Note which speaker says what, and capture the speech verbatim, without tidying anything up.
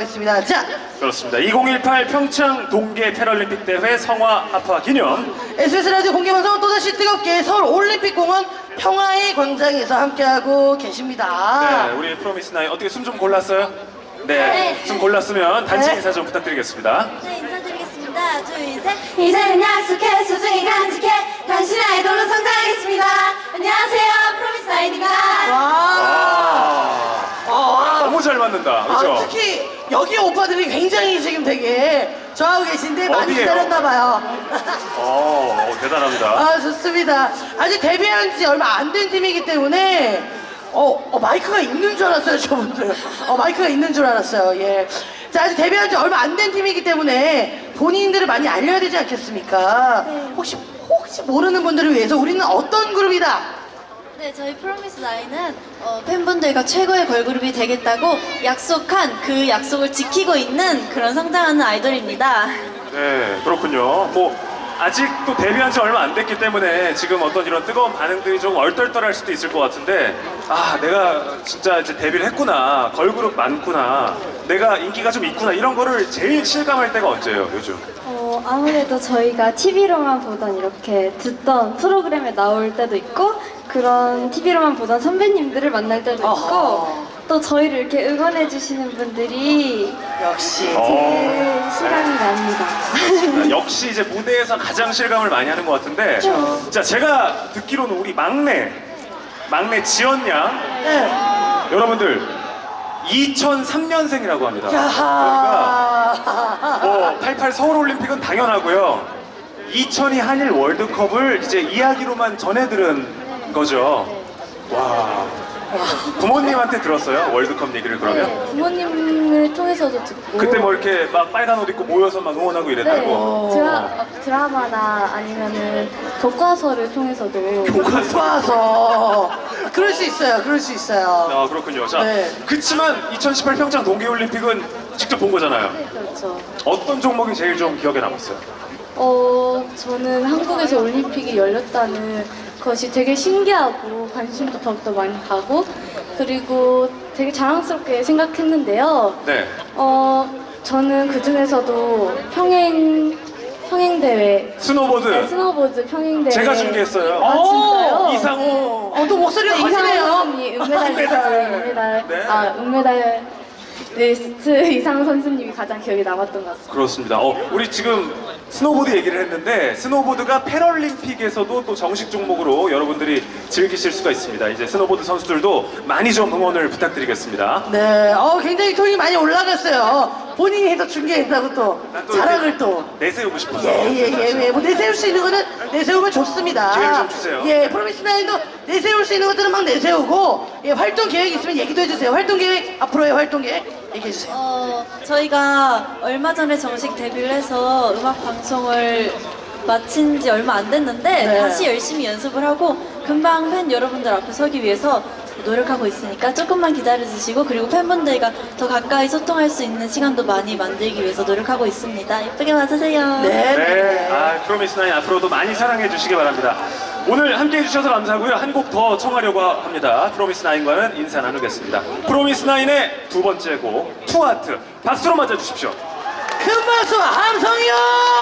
Speaker 1: 하겠습니다. 자,
Speaker 2: 그렇습니다. 이천십팔 평창 동계 패럴림픽 대회 성화 합화 기념.
Speaker 1: 에스비에스 라디오 공개방송 또다시 뜨겁게 서울 올림픽공원 평화의 광장에서 함께하고 계십니다.
Speaker 2: 네, 우리 프로미스 나인 어떻게 숨 좀 골랐어요? 네,
Speaker 3: 네.
Speaker 2: 숨 골랐으면 단체
Speaker 1: 네.
Speaker 2: 인사 좀 부탁드리겠습니다.
Speaker 3: 네, 인사드리겠습니다. 둘, 셋. 이제는 약속해, 소중히 간직해, 당신 아이돌로 성장하겠습니다. 안녕하세요, 프로미스 나인입니다.
Speaker 1: 와, 아,
Speaker 2: 너무 잘 맞는다,
Speaker 1: 아,
Speaker 2: 그렇죠?
Speaker 1: 특히 여기 오빠들이 굉장히 지금 되게 좋아하고 계신데 많이
Speaker 2: 어디예요?
Speaker 1: 기다렸나봐요.
Speaker 2: 어, 어, 대단합니다.
Speaker 1: 아, 좋습니다. 아직 데뷔한 지 얼마 안 된 팀이기 때문에 어, 어, 마이크가 있는 줄 알았어요, 저분들. 어, 마이크가 있는 줄 알았어요. 예. 자, 아직 데뷔한 지 얼마 안 된 팀이기 때문에 본인들을 많이 알려야 되지 않겠습니까?
Speaker 3: 네.
Speaker 1: 혹시 혹시 모르는 분들을 위해서 우리는 어떤 그룹이다?
Speaker 3: 네, 저희 프로미스 나인은 어, 팬분들과 최고의 걸그룹이 되겠다고 약속한 그 약속을 지키고 있는 그런 성장하는 아이돌입니다.
Speaker 2: 네, 그렇군요. 뭐 아직도 데뷔한 지 얼마 안 됐기 때문에 지금 어떤 이런 뜨거운 반응들이 좀 얼떨떨할 수도 있을 것 같은데, 아, 내가 진짜 이제 데뷔를 했구나, 걸그룹 많구나, 내가 인기가 좀 있구나, 이런 거를 제일 실감할 때가 언제예요, 요즘?
Speaker 4: 어, 아무래도 저희가 티비로만 보던 이렇게 듣던 프로그램에 나올 때도 있고 그런 티비로만 보던 선배님들을 만날 때도 있고
Speaker 1: 어허.
Speaker 4: 또 저희를 이렇게 응원해 주시는 분들이
Speaker 1: 역시.
Speaker 2: 어.
Speaker 4: 제일 실감이 납니다.
Speaker 2: 아, 역시 이제 무대에서 가장 실감을 많이 하는 것 같은데, 자, 제가 듣기로는 우리 막내, 막내 지연 양,
Speaker 1: 네.
Speaker 2: 여러분들 이천삼 년생이라고 합니다. 그러니까
Speaker 1: 야하.
Speaker 2: 뭐 팔십팔 서울올림픽은 당연하고요. 이천이 한일 월드컵을 이제 이야기로만 전해 들은 거죠. 와. 부모님한테 들었어요? 월드컵 얘기를 그러면?
Speaker 4: 네, 부모님을 통해서도 듣고
Speaker 2: 그때 뭐 이렇게 막 빨간 옷 입고 모여서 막 응원하고
Speaker 4: 네,
Speaker 2: 이랬다고?
Speaker 4: 드라, 어, 드라마나 아니면은 교과서를 통해서도
Speaker 1: 교과서. 그럴 수 있어요. 그럴 수 있어요.
Speaker 2: 아, 그렇군요. 자,
Speaker 1: 네.
Speaker 2: 그치만 이천십팔 평창 동계올림픽은 직접 본 거잖아요.
Speaker 4: 네, 그렇죠.
Speaker 2: 어떤 종목이 제일 좀 기억에 남았어요?
Speaker 4: 어, 저는 한국에서 올림픽이 열렸다는 것이 되게 신기하고 관심도 더욱더 많이 가고 그리고 되게 자랑스럽게 생각했는데요.
Speaker 2: 네.
Speaker 4: 어, 저는 그 중에서도 평행, 평행대회,
Speaker 2: 스노보드.
Speaker 4: 네, 스노보드 평행대회.
Speaker 2: 제가 중계했어요.
Speaker 4: 아, 진짜요?
Speaker 2: 이상호.
Speaker 1: 어, 또 목소리가
Speaker 4: 네, 이상호
Speaker 1: 커지네요.
Speaker 4: 선수님, 은메달리스트,
Speaker 2: 은메달.
Speaker 4: 은메달,
Speaker 2: 네.
Speaker 4: 아, 은메달리스트 이상호 선수님이 가장 기억에 남았던 것 같습니다.
Speaker 2: 그렇습니다. 어, 우리 지금 스노보드 얘기를 했는데 스노보드가 패럴림픽에서도 또 정식 종목으로 여러분들이 즐기실 수가 있습니다. 이제 스노보드 선수들도 많이 좀 응원을 부탁드리겠습니다.
Speaker 1: 네, 어, 굉장히 톤이 많이 올라갔어요. 본인이 해서 중계했다고 또
Speaker 2: 난또
Speaker 1: 자랑을
Speaker 2: 이렇게
Speaker 1: 또.
Speaker 2: 내세우고 싶어서.
Speaker 1: 예, 예, 예, 예. 뭐 내세울 수 있는 거는 내세우면 좋습니다.
Speaker 2: 기회를 좀 주세요.
Speaker 1: 예, 프로미스나인도 내세울 수 있는 것들은 막 내세우고, 예, 활동 계획 있으면 얘기도 해주세요. 활동 계획, 앞으로의 활동 계획 얘기해주세요.
Speaker 3: 어, 저희가 얼마 전에 정식 데뷔를 해서 음악 방송을 마친 지 얼마 안 됐는데
Speaker 1: 네.
Speaker 3: 다시 열심히 연습을 하고 금방 팬 여러분들 앞에 서기 위해서 노력하고 있으니까 조금만 기다려주시고 그리고 팬분들과 더 가까이 소통할 수 있는 시간도 많이 만들기 위해서 노력하고 있습니다. 예쁘게 봐주세요.
Speaker 1: 네,
Speaker 2: 네, 아, 프로미스나인 앞으로도 많이 사랑해 주시기 바랍니다. 오늘 함께 해주셔서 감사하고요. 한 곡 더 청하려고 합니다. 프로미스나인과는 인사 나누겠습니다. 프로미스나인의 두 번째 곡 투하트 박수로 맞아주십시오.
Speaker 1: 큰 박수, 함성이요!